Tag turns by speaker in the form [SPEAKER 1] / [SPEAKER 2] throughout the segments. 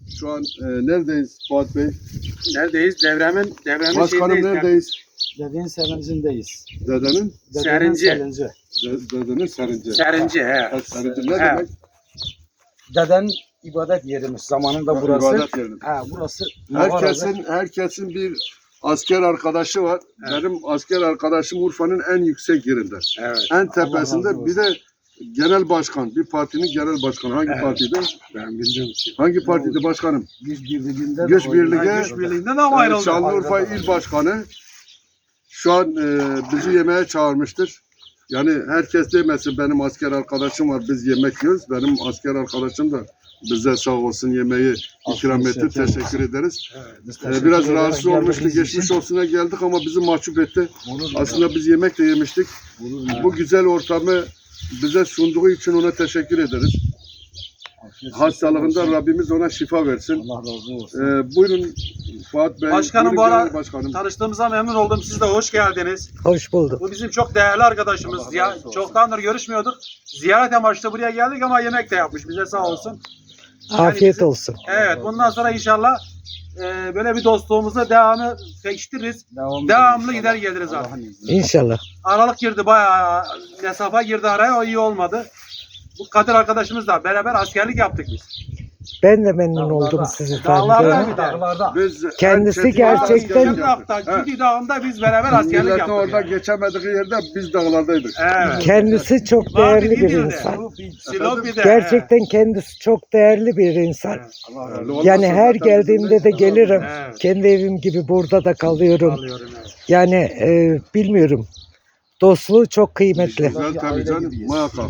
[SPEAKER 1] Şu an neredeyiz Fuat Bey?
[SPEAKER 2] Neredeyiz? Devremin
[SPEAKER 1] Başkanım
[SPEAKER 2] şeyindeyiz.
[SPEAKER 1] neredeyiz?
[SPEAKER 3] Dedenin sevincindeyiz.
[SPEAKER 1] Dedenin?
[SPEAKER 2] Serinci.
[SPEAKER 1] Dedenin serinci.
[SPEAKER 2] Serinci he.
[SPEAKER 1] Ha, serinci ne
[SPEAKER 2] He.
[SPEAKER 1] demek?
[SPEAKER 3] Deden ibadet yerimiz. Zamanında burası.
[SPEAKER 1] İbadet yeri.
[SPEAKER 3] Ha, burası mağaradır.
[SPEAKER 1] Herkesin bir asker arkadaşı var.
[SPEAKER 2] Evet.
[SPEAKER 1] Benim asker arkadaşım Urfa'nın en yüksek yerinde.
[SPEAKER 2] Evet.
[SPEAKER 1] En
[SPEAKER 3] Allah
[SPEAKER 1] tepesinde
[SPEAKER 3] razı
[SPEAKER 1] bir de genel başkan. Bir partinin genel başkanı. Hangi
[SPEAKER 2] Evet.
[SPEAKER 1] partiydi?
[SPEAKER 2] Ben bildim.
[SPEAKER 1] Hangi partiydi başkanım?
[SPEAKER 3] Güç birliğinde.
[SPEAKER 1] Güç birliği.
[SPEAKER 2] Güç birliğinden ama ayrıldı.
[SPEAKER 1] Şanlıurfa İl Başkanı. Şu an bizi yemeğe çağırmıştır. Yani herkes demesin benim asker arkadaşım var biz yemek yiyoruz. Benim asker arkadaşım da bize sağ olsun yemeği ikram etti. Teşekkür ederiz. Biraz rahatsız olmuştu. Geçmiş olsuna geldik ama bizi mahcup etti. Aslında biz yemek de yemiştik. Bu güzel ortamı bize sunduğu için ona teşekkür ederiz. Hastalığında Rabbimiz ona şifa versin.
[SPEAKER 3] Allah razı olsun.
[SPEAKER 1] Buyurun Fuat Bey.
[SPEAKER 2] Başkanım,
[SPEAKER 1] buyurun
[SPEAKER 2] bu ara-
[SPEAKER 1] genel başkanım.
[SPEAKER 2] Tanıştığımıza memnun oldum. Siz de hoş geldiniz.
[SPEAKER 4] Hoş bulduk.
[SPEAKER 2] Bu bizim çok değerli arkadaşımız. Çoktandır görüşmüyorduk. Ziyaret amaçlı buraya geldik ama yemek de yapmış bize sağ olsun.
[SPEAKER 4] Afiyet
[SPEAKER 2] bizim-
[SPEAKER 4] olsun.
[SPEAKER 2] Evet, bundan sonra inşallah böyle bir dostluğumuza devamı pekiştiririz. Devamlı gider geliriz abi.
[SPEAKER 4] İnşallah.
[SPEAKER 2] Aralık girdi, bayağı mesafe girdi araya, o iyi olmadı. Bu Kadir arkadaşımız da beraber askerlik yaptık biz.
[SPEAKER 4] Ben de memnun oldum sizi
[SPEAKER 2] Dağlarda
[SPEAKER 4] tanıdığıma.
[SPEAKER 2] bir de.
[SPEAKER 3] Dağlarda.
[SPEAKER 1] Biz
[SPEAKER 4] Kendisi
[SPEAKER 1] en çetin
[SPEAKER 4] gerçekten-
[SPEAKER 1] askerlik yaptık.
[SPEAKER 2] Dağda,
[SPEAKER 1] Ha.
[SPEAKER 2] Gidi Dağı'nda biz beraber askerlik
[SPEAKER 1] Milletin
[SPEAKER 2] yaptık.
[SPEAKER 1] orada
[SPEAKER 2] yani.
[SPEAKER 1] geçemediği yerde biz dağlardaydık.
[SPEAKER 2] Evet.
[SPEAKER 4] Kendisi çok
[SPEAKER 2] Vardı
[SPEAKER 4] değerli bir
[SPEAKER 2] Gidi'de.
[SPEAKER 4] insan.
[SPEAKER 2] Silopi'de.
[SPEAKER 4] Gerçekten kendisi çok değerli bir insan. Yani her geldiğimde de gelirim.
[SPEAKER 2] Evet.
[SPEAKER 4] Kendi evim gibi burada da kalıyorum.
[SPEAKER 2] Alıyorum, evet.
[SPEAKER 4] Yani bilmiyorum. Dostluğu çok kıymetli.
[SPEAKER 1] Güzel tabii canım
[SPEAKER 3] gibiyiz.
[SPEAKER 1] muhakkak.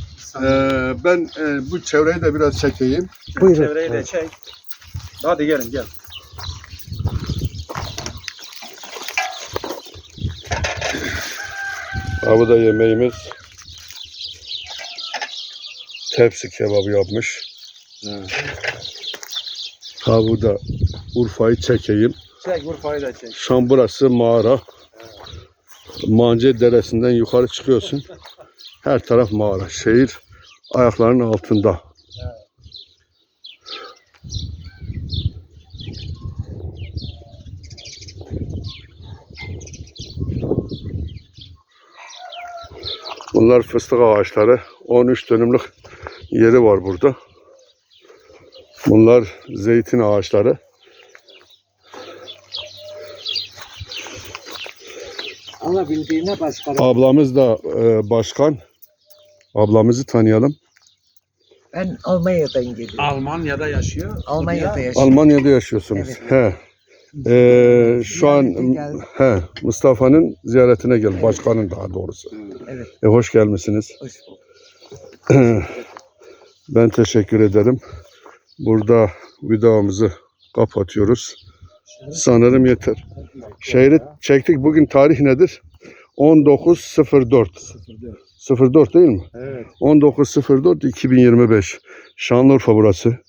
[SPEAKER 1] Ben bu çevreyi de biraz çekeyim.
[SPEAKER 4] Buyurun.
[SPEAKER 2] Çevreyi de çek. Hadi gelin gel.
[SPEAKER 1] Bu da yemeğimiz. Tepsi kebabı yapmış. Bu da Urfa'yı çekeyim.
[SPEAKER 2] Çek Urfa'yı da çek.
[SPEAKER 1] Şu an burası mağara. Mance Deresi'nden yukarı çıkıyorsun. Her taraf mağara. Şehir ayaklarının altında. Bunlar fıstık ağaçları. 13 dönümlük yeri var burada. Bunlar zeytin ağaçları.
[SPEAKER 4] Alabildiğine başkanım.
[SPEAKER 1] Ablamız da başkan. Ablamızı tanıyalım.
[SPEAKER 4] Ben Almanya'dan geliyorum.
[SPEAKER 2] Almanya'da yaşıyor.
[SPEAKER 4] Almanya'da yaşıyorum.
[SPEAKER 1] Almanya'da yaşıyorsunuz.
[SPEAKER 4] Evet.
[SPEAKER 1] Şu an
[SPEAKER 4] Ziyarete geldim.
[SPEAKER 1] Mustafa'nın ziyaretine gel. Başkanın daha doğrusu.
[SPEAKER 4] Evet.
[SPEAKER 1] Hoş gelmişsiniz.
[SPEAKER 4] Hoş bulduk.
[SPEAKER 1] Ben teşekkür ederim. Burada videomuzu kapatıyoruz. Sanırım yeter. Şehri çektik. Bugün tarih nedir? 19.04. 04 değil mi?
[SPEAKER 2] Evet.
[SPEAKER 1] 19.04.2025. Şanlıurfa burası.